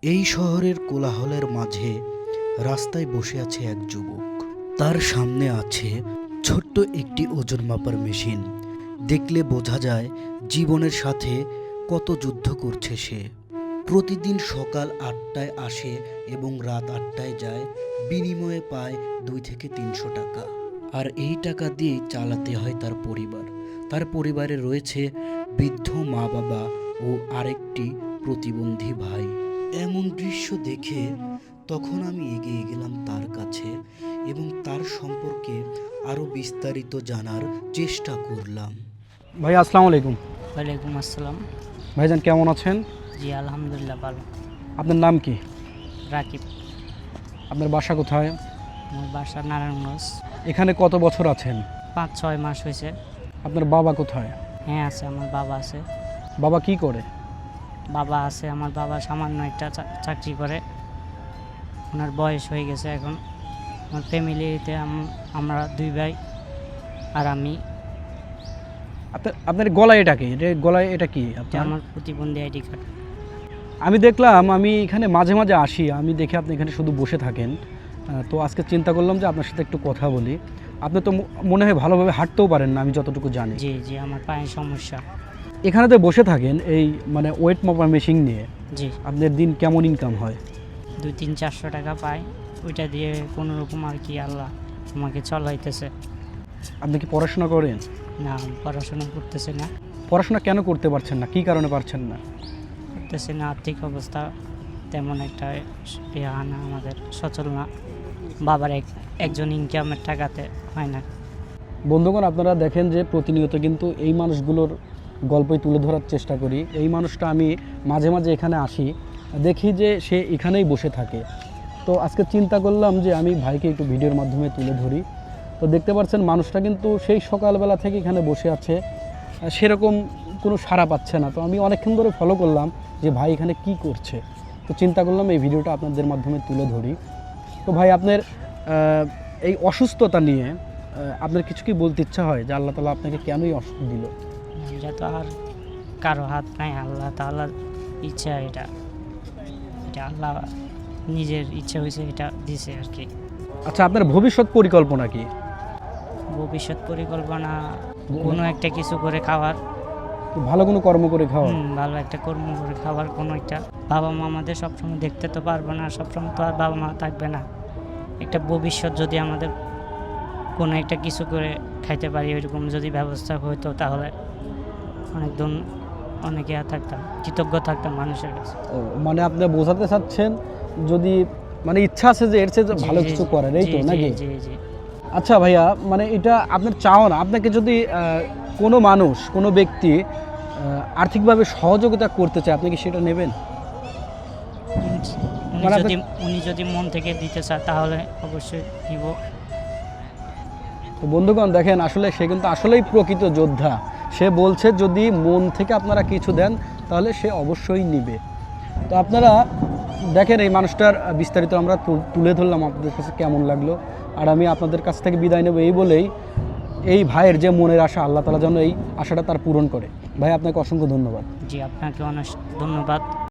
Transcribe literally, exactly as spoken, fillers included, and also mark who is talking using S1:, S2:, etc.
S1: এই শহরের কোলাহলের মাঝে রাস্তায় বসে আছে এক যুবক। তার সামনে আছে ছোট্ট একটি ওজন মাপার মেশিন। দেখলে বোঝা যায় জীবনের সাথে কত যুদ্ধ করছে সে। প্রতিদিন সকাল আটটায় আসে এবং রাত আটটায় যায়, বিনিময়ে পায় দুই থেকে তিনশো টাকা। আর এই টাকা দিয়েই চালাতে হয় তার পরিবার। তার পরিবারে রয়েছে বৃদ্ধ মা বাবা ও আরেকটি প্রতিবন্ধী ভাই। এমন দৃশ্য দেখে তখন আমি এগিয়ে গেলাম তার কাছে এবং তার সম্পর্কে আরও বিস্তারিত জানার চেষ্টা করলাম।
S2: ভাই আসসালামু আলাইকুম।
S3: ওয়ালাইকুম আসসালাম।
S2: ভাইজান কেমন আছেন?
S3: জি আলহামদুলিল্লাহ ভালো।
S2: আপনার নাম কি?
S3: রাকিব।
S2: আপনার বাসা কোথায়?
S3: আমার বাসা নারায়ণগঞ্জ।
S2: এখানে কত বছর আছেন?
S3: পাঁচ ছয় মাস হয়েছে।
S2: আপনার বাবা কোথায়?
S3: হ্যাঁ আছে, আমার বাবা আছে।
S2: বাবা কি করে?
S3: বাবা আছে, আমার বাবা সামান্য একটা চা- চাকরি করে। ওনার বয়স হয়ে গেছে এখন। আমার ফ্যামিলিতে আমরা দুই ভাই আর আমি।
S2: আপনার আপনার গলায় এটা কি? এটা গলায় এটা কি
S3: এটা
S2: আপনার?
S3: আমার প্রতিবন্ধী আইডি কার্ড।
S2: আমি দেখলাম, আমি এখানে মাঝে মাঝে আসি, আমি দেখে আপনি এখানে শুধু বসে থাকেন। আহ, তো আজকে চিন্তা করলাম যে আপনার সাথে একটু কথা বলি। আপনি তো ম- মনে হয় ভালোভাবে হাঁটতেও পারেন না, আমি যতটুকু জানি।
S3: জি জি আমার পায়ের সমস্যা।
S2: এখানে তো বসে থাকেন এই মানে ওয়েট মাপার মেশিন নিয়ে,
S3: জি
S2: আপনার দিন কেমন ইনকাম হয়?
S3: দুই তিন চারশো টাকা পাই। ওইটা দিয়ে কোনো রকম আর কি আল্লাহ আমাকে চলাইতেছে।
S2: আপনি কি পড়াশোনা করেন?
S3: না আমি পড়াশোনা করতেছি না।
S2: পড়াশোনা কেন করতে পারছেন না? কী কারণে পারছেন না?
S3: করতেছি না, আর্থিক অবস্থা তেমন একটা ইয়া না, আমাদের সচল না। বাবার এক একজন ইনকামের টাকাতে হয় না।
S2: বন্ধুগণ, আপনারা দেখেন যে প্রতিনিয়ত কিন্তু এই মানুষগুলোর গল্পই তুলে ধরার চেষ্টা করি। এই মানুষটা আমি মাঝে মাঝে এখানে আসি, দেখি যে সে এখানেই বসে থাকে। তো আজকে চিন্তা করলাম যে আমি ভাইকে একটু ভিডিওর মাধ্যমে তুলে ধরি। তো দেখতে পাচ্ছেন মানুষটা কিন্তু সেই সকালবেলা থেকে এখানে বসে আছে, সেরকম কোনো সাড়া পাচ্ছে না। তো আমি অনেকক্ষণ ধরে ফলো করলাম যে ভাই এখানে কি করছে। তো চিন্তা করলাম এই ভিডিওটা আপনাদের মাধ্যমে তুলে ধরি। তো ভাই আপনার আহ, এই অসুস্থতা নিয়ে আহ, আপনার কিছু কি বলতে ইচ্ছা হয় যে আল্লাহ তাআলা আপনাকে কেনই অসুখ দিল?
S3: এটা তো আর কারো হাত নাই, আল্লাহ তাআলার ইচ্ছা। এটা এটা আল্লাহ নিজের ইচ্ছা হয়েছে, এটা দিছে আর কি।
S2: আচ্ছা, আপনার ভবিষ্যৎ পরিকল্পনা কি?
S3: ভবিষ্যৎ পরিকল্পনা কোনো একটা কিছু করে খাওয়ার।
S2: ভালো কোনো কর্ম করে খাওয়া।
S3: হুম, ভালো একটা কর্ম করে খাওয়ার। কোনো একটা বাবা মা আমাদের সবসময় দেখতে তো পারবো না, সবসময় তো আর বাবা মা থাকবে না। একটা ভবিষ্যৎ যদি আমাদের কোনো একটা কিছু করে খাইতে পারি, ওইরকম যদি ব্যবস্থা হতো তাহলে অনেক দিন অনেকে থাকতাম, কৃতজ্ঞ থাকতাম মানুষের কাছে।
S2: ও, মানে আপনি বোঝাতে চাচ্ছেন যদি মানে ইচ্ছা আছে যে এর চেয়ে যে
S3: জি,
S2: ভালো
S3: জি,
S2: কিছু
S3: জি,
S2: করার, এই তো
S3: জি,
S2: নাকি?
S3: জি জি
S2: আচ্ছা ভাইয়া, মানে এটা আপনার চাও না, আপনাকে যদি আহ, কোনো মানুষ কোনো ব্যক্তি আহ, আর্থিকভাবে সহযোগিতা করতে চায়, আপনি কি সেটা নেবেন?
S3: উনি
S2: মানে
S3: যদি উনি যদি মন থেকে দিতে চায় তাহলে অবশ্যই নিব।
S2: তো বন্ধুগণ দেখেন, আসলে সে কিন্তু আসলেই প্রকৃত যোদ্ধা। সে বলছে যদি মন থেকে আপনারা কিছু দেন তাহলে সে অবশ্যই নিবে। তো আপনারা দেখেন এই মানুষটার বিস্তারিত আমরা তু- তুলে ধরলাম, আপনাদের কাছে কেমন লাগলো। আর আমি আপনাদের কাছ থেকে বিদায় নেব এই বলেই, এই ভাইয়ের যে মনের আশা, আল্লাহ তাআলা যেন এই আশাটা তার পূরণ করে। ভাই আপনাকে অসংখ্য ধন্যবাদ।
S3: জি আপনাকে অনেক ধন্যবাদ।